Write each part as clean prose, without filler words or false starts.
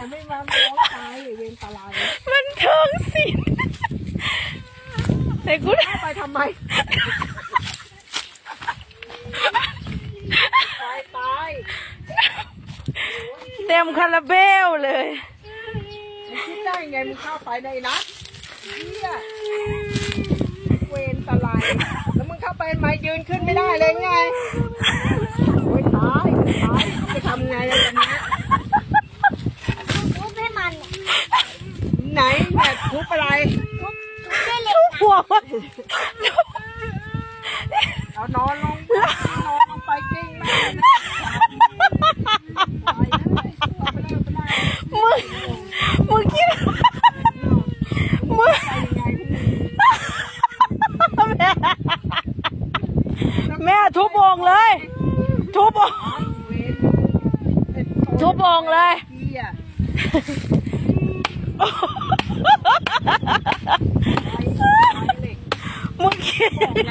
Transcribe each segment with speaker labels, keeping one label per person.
Speaker 1: ไม่มาร้องตายเวรตาลาย
Speaker 2: มันเทิงสินแต่กู
Speaker 1: ไปทำไมตาย
Speaker 2: เต็มคาราเบลเลย
Speaker 1: มึงคิดได้ไงมึงเข้าไปในนะเนี่ยเวรตาลายแล้วมึงเข้าไปมายืนขึ้นไม่ได้เลยไงโอ้ยตายจะทำไงอะตอนนี้
Speaker 3: ทุบให้มัน
Speaker 1: ไหนเนี่ยทุบอะไร
Speaker 3: ทุบด้วยเหล็ก
Speaker 2: หัวมัน
Speaker 1: เอานอนลงไปกิ้งแม่
Speaker 2: มึงคิดมึงแม่ทุบโอ่งเลยทุบโอ่งเลยมึงคิด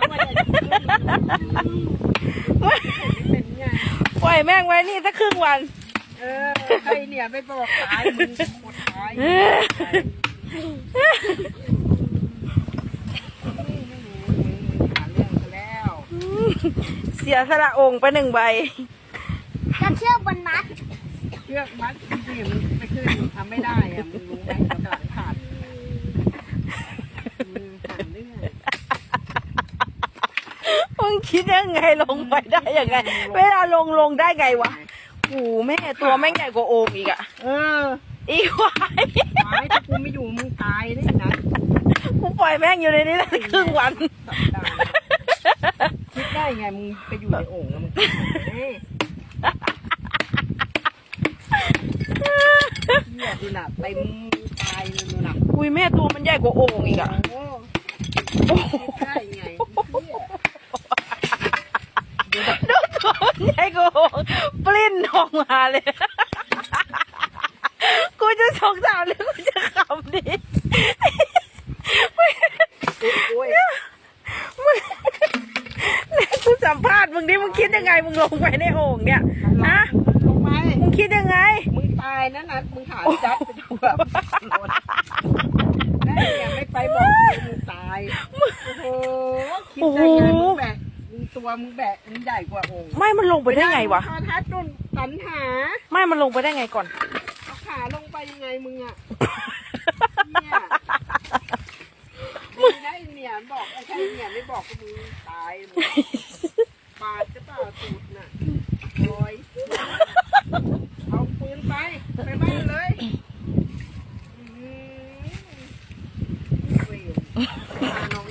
Speaker 2: ปล่อยแม่งไว้นี่สักครึ่งวัน
Speaker 1: ใครเนี่ยไม่บอกตายมึงหมดตาย
Speaker 2: เสียสละองค์ไป1 ใบ
Speaker 3: จะเชือกบนมัด
Speaker 1: เชือกมัดที่มึงไม่ขึ้นทำไม่ได้อะมึงรู้ไหมกระดาษขาดมึงหันเรื่อง
Speaker 2: มึงคิดยังไงลงไปได้ยังไงเวลาลงได้ไงวะโอ้แม่ตัวแม่งใหญ่กว่าโอ่งอีกอะอีควาย
Speaker 1: ถ้ากูไม่อยู่มึงตายนี่นะ
Speaker 2: กูปล่อยแม่งอยู่ในนี้ได้ครึ่งวัน
Speaker 1: คิดได้ไงมึงไปอยู่ในโอ่งแล้วมึงเหี้ยดูน่ะไปมึงตายเลยดูน่ะ
Speaker 2: อุ้ยแม่ตัวมันใหญ่กว่าโอ่งอีกอะ
Speaker 1: ได้ไง
Speaker 2: ดูตัวมันใหญ่กว่าโอ่งปลิ้นออกมาเลยกูจะสงสารหรือกูจะขำดิกูสัมภาษณ์มึงดิมึงคิดยังไงมึงลงไปในโอ่งเนี่ยฮะ
Speaker 1: ลงไป
Speaker 2: มึงคิดยังไง
Speaker 1: มึงตายนะนัดมึงหาจัดไปดูแบบแม่เนี่ยไม่ไปบอกมึงตายโอ้โหคิดได้ไงมึงแบกตัวมึงแบกมึงใหญ่กว่าโอ่ง
Speaker 2: ไม่มันลงไปได้ไงวะ
Speaker 1: ทัดดุนสันหา
Speaker 2: ไม่มันลงไปได้ไงก่อน
Speaker 1: เอาขาลงไปยังไงมึงอ่ะเนี่ยมึงได้เนี่ยบอกไอ้ใช่เนี่ยไม่บอกก็มึงตายปาดจะเปล่าตูดน่ะลอยเอาปืนไปบ้านเลยเวรพาน้อง